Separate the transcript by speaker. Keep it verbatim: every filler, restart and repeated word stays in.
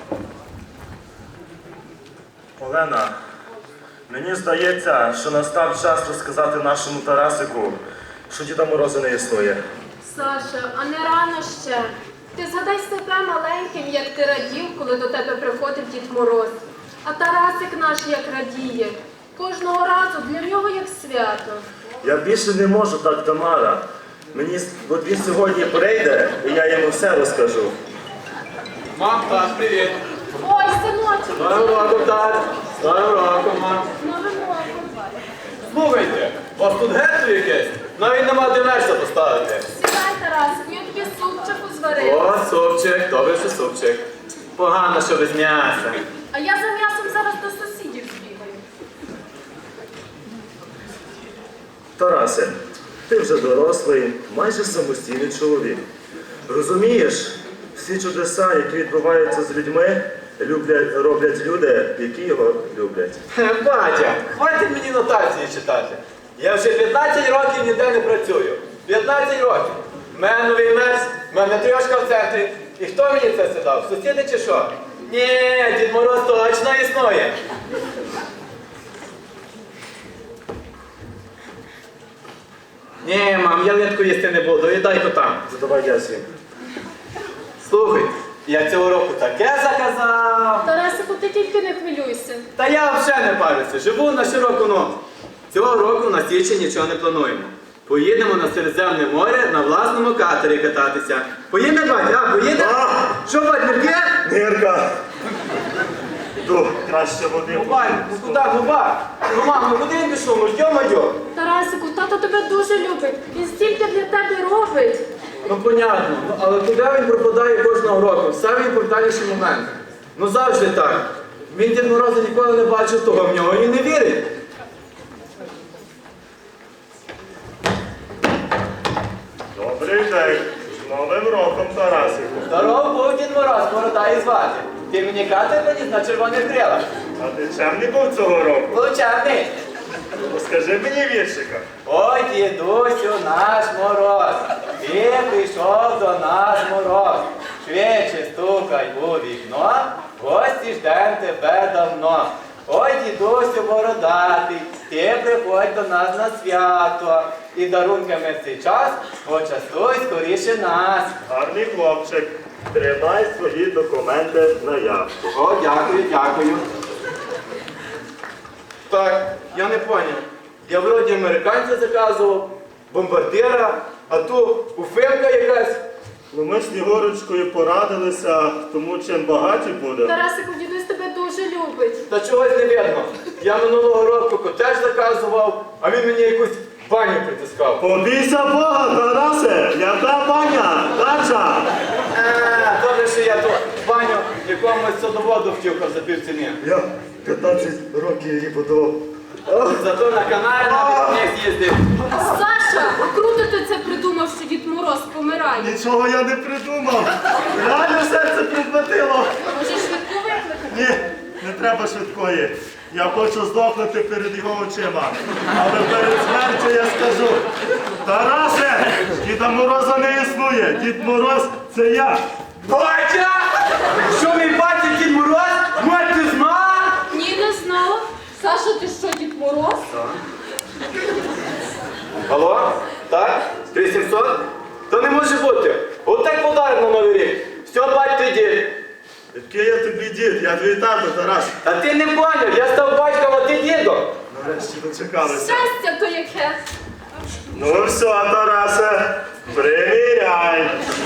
Speaker 1: Олена, мені здається, що настав час розказати нашому Тарасику, що Діда Мороза не існує.
Speaker 2: Саша, а не рано ще. Ти згадай себе маленьким, як ти радів, коли до тебе приходив Дід Мороз. А Тарасик наш як радіє. Кожного разу для нього як свято.
Speaker 1: Я більше не можу так, Тамара. Мені, от він сьогодні прийде, і я йому все розкажу.
Speaker 3: Мам, тат, привіт.
Speaker 2: Ой, синочок!
Speaker 3: З Новим роком, тат. З Новим роком, мам.
Speaker 2: Новим роком.
Speaker 3: Слухайте, у вас тут гетто якесь? Навіть нема де м'ясо поставити.
Speaker 2: Сідай, Тарасику, я тобі супчику зварила.
Speaker 3: О, супчик, добре, що супчик. Погано, що без м'яса.
Speaker 2: А я за м'ясом зараз до сусідів збігаю.
Speaker 1: Тарасе, ти вже дорослий, майже самостійний чоловік. Розумієш, всі чудеса, які відбуваються з людьми, люблять, роблять люди, які його люблять.
Speaker 3: Хе, Батя, хватить мені нотації читати. Я вже п'ятнадцять років ніде не працюю. п'ятнадцять років. В мене новий мерз, в мене трьошка в центрі. І хто мені це дав? Сусіди чи що? Ні, Дід Мороз точно існує. Ні, мам, я литку їсти не буду, віддай то там.
Speaker 1: Задавай я свій.
Speaker 3: Слухай, я цього року таке заказав.
Speaker 2: Тарасику, ти тільки не хвилюйся.
Speaker 3: Та я взагалі не парюся, живу на широку ногу. Цього року на січень нічого не плануємо. Поїдемо на Середземне море на власному катері кататися. Поїдемо, батя, а, поїдемо?
Speaker 1: А!
Speaker 3: Що, бать, нирки?
Speaker 1: Нирка! Ду, краще води.
Speaker 3: Ну, бать, ну куди, ну, бать? Ну, мам, ну куди він пішов, ну, йо-моє.
Speaker 2: Тарасику, тато тебе дуже любить. Він стільки для тебе робить.
Speaker 3: Ну, понятно, ну, але куди він пропадає кожного року? В самий найімпортніший момент. Ну, завжди так. Він Дід Мороза ніколи не бачив, того в нього і не вірить.
Speaker 1: Добрий день. З Новим роком, Тарасику.
Speaker 3: Здоров був Дід Мороз, борода і звати. Ти мені катер приніс на червоних крилах.
Speaker 1: А ти чемний був цього року?
Speaker 3: Получавний.
Speaker 1: Розкажи мені віршика.
Speaker 3: Ой, дідусю наш Мороз, ти прийшов до нас Мороз. Швидше стукай у вікно, гості ждем тебе давно. Ой, дідусю бородатий, ти приходь до нас на свято. І дарунками в цей час почастуй скоріше нас.
Speaker 1: Гарний хлопчик. Тримай свої документи на явку.
Speaker 3: О, дякую, дякую. Так, я не поняв. Я вроді американця заказував, бомбардира, а тут уфимка якась.
Speaker 1: Ну ми з Снігурочкою порадилися, тому чим багаті будемо.
Speaker 2: Тарасику, дідусь тебе дуже любить.
Speaker 3: Та чогось не видно. Я минулого року котеж заказував, а він мені якусь баню притискав.
Speaker 1: Побійся Бога, Тарасе! Яка баня? Дача!
Speaker 3: Е, добре, що я ту баню якомусь садоводу втюхав за півціни.
Speaker 1: Я п'ятнадцять років її будував.
Speaker 3: Зато на каналі на вікні з'їздив.
Speaker 2: Саша, круто ти це придумав, що Дід Мороз помирає.
Speaker 1: Нічого я не придумав. Реально серце підхватило.
Speaker 2: Може, швидку викликати?
Speaker 1: Ні, не треба швидкої. Я хочу здохнути перед його очима. Але перед смертю я скажу: Тарасе, Діда Мороза не існує. Дід Мороз – це я.
Speaker 3: Батя! Що мій батя Дід Мороз? Мать, ти знав?
Speaker 2: Ні, не знала. Саша, ти що, Дід Мороз?
Speaker 3: Алло? Так? три сімсот? Та не може бути. От так подарок на Новий рік. Все, бать, ти дід.
Speaker 1: Який я тобі дід? Я твій тато, Тарас.
Speaker 3: Та ти не поняв, я став батьком, а ти дідом.
Speaker 1: Нарешті дочекалися.
Speaker 2: Щастя то яке.
Speaker 1: Ну все, Тарасе, приміряй.